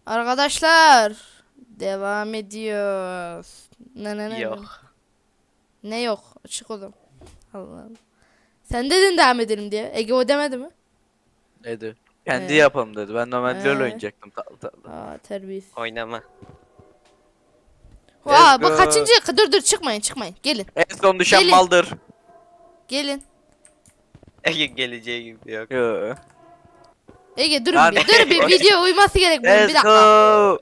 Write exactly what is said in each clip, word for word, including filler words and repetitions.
Arkadaşlar devam ediyoruz. Ne ne ne? Yok. Ne yok? Açık oğlum. Allah Allah. Sen dedin devam edelim diye. Ege o demedi mi? Dedi. Kendi Ee? yapalım dedi. Ben normalde Ee? LoL oynayacaktım tatlı tatlı. Aa terbiyesiz. Oynama. Vaa Let's bu go. kaçıncı? Dur dur çıkmayın çıkmayın. Gelin. En son düşen Gelin. maldır. Gelin. Ege geleceği gibi yok. Yo. Ege durun Lan- bir. Dur bir video uyması gerek bunun. Bir Let's dakika. go.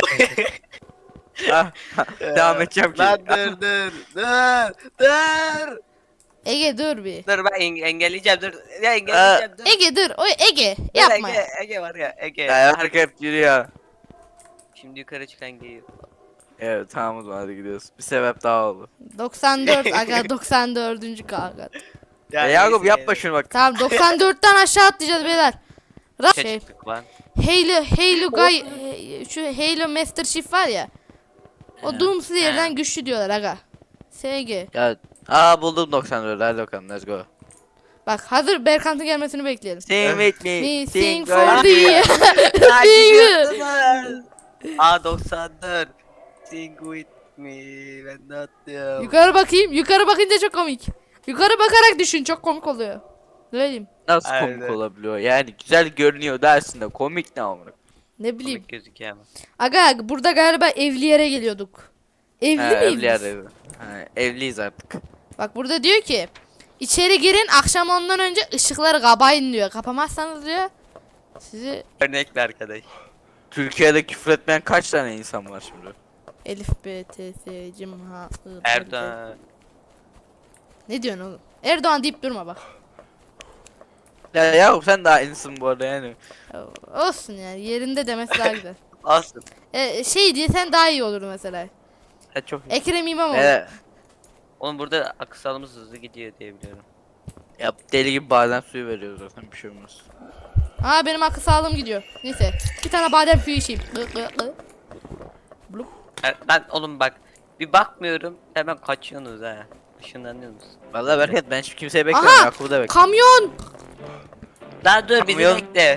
Ah, devam edeceğim ki. Lan dur dur dur dur. Ege dur bir. Dur ben eng- engelleyeceğim dur. Ya engelleyeceğim dur. Ege dur. O Ege Dur, yapma. Ege, Ege var ya Ege. Ya herkes yürüyor. Şimdi yukarı çıkan geliyor. Evet tamam o zaman hadi gidiyoruz. Bir sebep daha oldu. doksan dört aga doksan dördüncü kanka. Ya, Yakup neyse yapma şunu bak. Tamam doksan dörtten aşağı atlayacağız beyler. Ra Şey şey. çıktık lan. Halo Halo Guy he- şu Halo Master Chief var ya. O Doomsday yerden güçlü diyorlar aga. S G. Ya aa buldum doksan dört hadi bakalım let's go. Bak hazır Berkant'ın gelmesini bekleyelim. Sing with me. Me Sing sing for for me. thee. Ya Sing. gidiyorsunuz. A doksan dört. Sing with me. Ben de atlıyorum. Yukarı bakayım. Yukarı bakınca çok komik. Yukarı bakarak düşün çok komik oluyor. Ne diyeyim? Nasıl Aynen. komik olabiliyor? Yani güzel görünüyor dersin de komik ne amına. Ne bileyim. Komik gözüküyor ama. Aga burada galiba evli yere geliyorduk. Evli Ha, miyiz evli biz? yerde. Ha, evliyiz artık. Bak burada diyor ki içeri girin akşam ondan önce ışıkları kapayın diyor. Kapamazsanız diyor sizi Örnekli arkadaş. Türkiye'de küfür etmeyen kaç tane insan var şimdi? Elif B T S Cimha I, D, D. Erdoğan. Ne diyorsun oğlum? Erdoğan deyip durma bak. Ya Yakup sen daha aynısın bu arada yani. Ya, olsun yani yerinde demesi daha güzel. Olsun. E, şey diye sen daha iyi olurdu mesela. Ha çok iyi. Ekrem İmamoğlu. Evet. Oğlum burada aksalımız hızlı gidiyor diye biliyorum. Ya deli gibi badem suyu veriyoruz zaten bir şey olmaz. Aa benim akıl sağlığım gidiyor. Neyse bir tane badem suyu içeyim. Gı, gı, gı. Blup. Ben, ben oğlum bak bir bakmıyorum hemen kaçıyorsunuz ha. Işınlanıyorsunuz. Vallahi Berkat ben hiç kimseyi bekliyorum. Aha! Yakup'u da bekliyorum. Kamyon! Daha dur bizi Kamyon. bekle.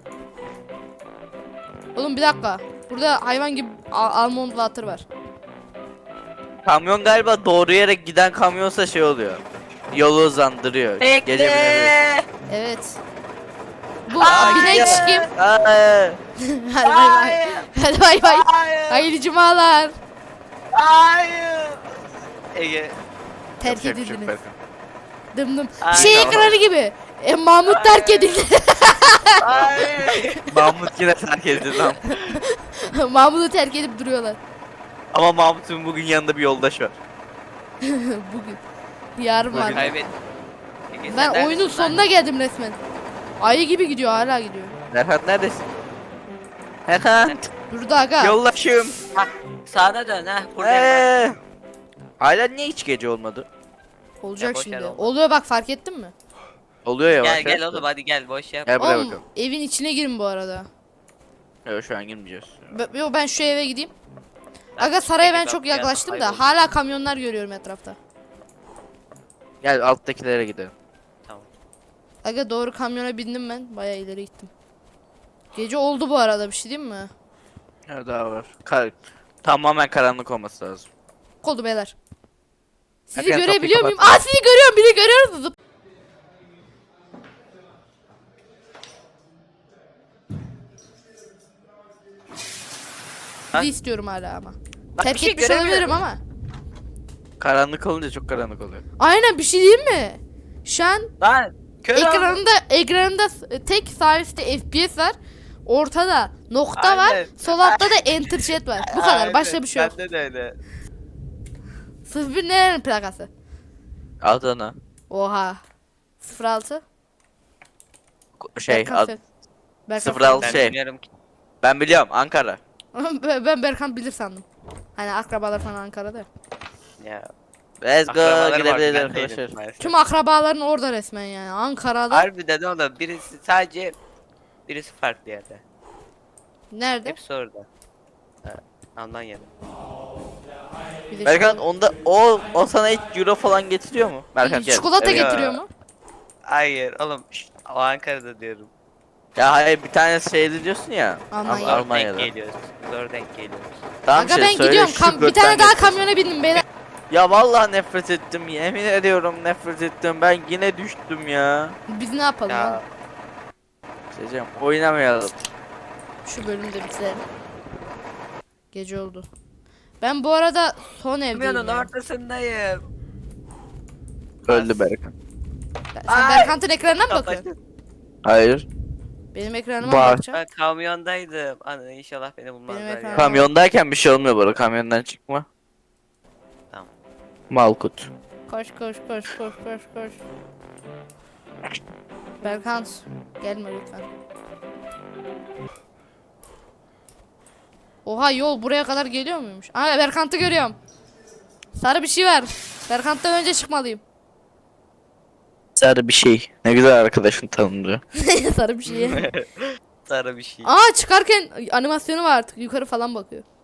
Oğlum bir dakika. Burada hayvan gibi al almond water var. Kamyon galiba doğru yere giden kamyonsa şey oluyor. Yolu hızlandırıyor. Gece binebiliyorsun. Bekle. Evet. Bu Aa, binek gidiyor. kim? Aa, Hadi bay bay. Hayır. Hadi bay bay. Hayır. Hayırlı cumalar. Hayır. Ege. Terk yapacak bir şey yok edildiniz. Berkat. Dım dım. Ay, Şey tamam. ekranı gibi. E, Mahmut terk edildi. Hayır. Mahmut yine terk edildi lan. Mahmut'u terk edip duruyorlar. Ama Mahmut'un bugün yanında bir yoldaş var. Bugün. Yarın var. Bugün. Kaybet. Ege, sen Ben oyunun neredesin lan? sonuna geldim resmen. Ayı gibi gidiyor hala gidiyor. Berkat neredesin? Berkat. Burada aga. Yoldaşım. Hah, sağda dön ha. Buradayım Eee. Hala niye hiç gece olmadı? Olacak Ya boş şimdi. ver oğlum. Oluyor bak fark ettin mi? Oluyor ya. bak. Gel bak, gel evet. oğlum hadi gel boş yap. Gel buraya Oğlum bakalım. evin içine girin bu arada. Yok şu an girmeyeceğiz. Be- Yo ben şu eve gideyim. Aga saraya ben Ege, çok bak, gel, yaklaştım da kayboldu. hala kamyonlar görüyorum etrafta. Gel alttakilere gidelim. Tamam. Aga doğru kamyona bindim ben. Baya ileri gittim. Gece oldu bu arada bir şey diyeyim mi? Ya daha var. Kar tamamen karanlık olması lazım. Oldu beyler. Sizi Erken görebiliyor kapıyı muyum? Aa sizi görüyorum biri görüyoruz. Zıp. Ha? Sizi istiyorum hala ama. Bak, Terk bir şey etmiş göremiyorum. olabilirim ama. Karanlık olunca çok karanlık oluyor. Aynen bir şey diyeyim mi? Şu an Lan kör oldum. ekranında ekranında s- tek sağ üstte F P S var. Ortada nokta var. Aynen. Sol altta da enter chat var. Bu kadar. Aynen, Başka bir şey yok. Bende de öyle. sıfır bir nerenin plakası? Adana. Oha. sıfır altı. Şey Berkan ad, söyle. Berkan sıfır altı. Ben Şey. bilmiyorum ki. ben biliyorum Ankara. söyle. ben ben Berkan bilir sandım. Hani akrabalar falan Ankara'da. Ya. Let's go akrabalarım vardı, gidebiliriz ben değilim arkadaşlar. maalesef. Tüm akrabaların orada resmen yani. Ankara'da. Harbiden oğlum birisi sadece birisi farklı yerde. Nerede? Hepsi orada. Ha, Almanya'da. Bir de Berkan çikolata- onda o o sana hiç euro falan getiriyor mu? Berkan gel. Çikolata Evet. getiriyor mu? Hayır oğlum şşt, o Ankara'da diyorum. Ya hayır bir tane şeydi diyorsun ya. Almanya. Al- Zor Almanya'da. denk geliyoruz. Zor denk geliyoruz. Tamam Aga şey, ben söyle, gidiyorum. şu Kam- bir gökten tane daha getirsin. kamyona bindim beyler. Ya vallahi nefret ettim. Yemin ediyorum nefret ettim. Ben yine düştüm ya. Biz ne yapalım Ya oğlum? Şeycem oynamayalım. Şu bölümü de bitirelim. Gece oldu. Ben bu arada son evdeyim. kamyonun ya. ortasındayım. Öldü Berkan. Sen Ay! Berkant'ın ekranına mı bakıyorsun? Kapatın. Hayır. Benim ekranıma Var. mı bakacaksın? Ben kamyondaydım. Ana inşallah beni bulmazlar ekranım- ya. Kamyondayken bir şey olmuyor bu arada. Kamyondan çıkma. Tamam. Malkut. Koş koş koş koş koş koş. Berkant gelme lütfen. Oha yol buraya kadar geliyor muymuş? Aa Berkant'ı görüyorum. Sarı bir şey var. Berkant'tan önce çıkmalıyım. Sarı bir şey. Ne güzel arkadaşın tanımlıyor. Sarı bir şey. Sarı bir şey. Aa çıkarken animasyonu var artık yukarı falan bakıyor.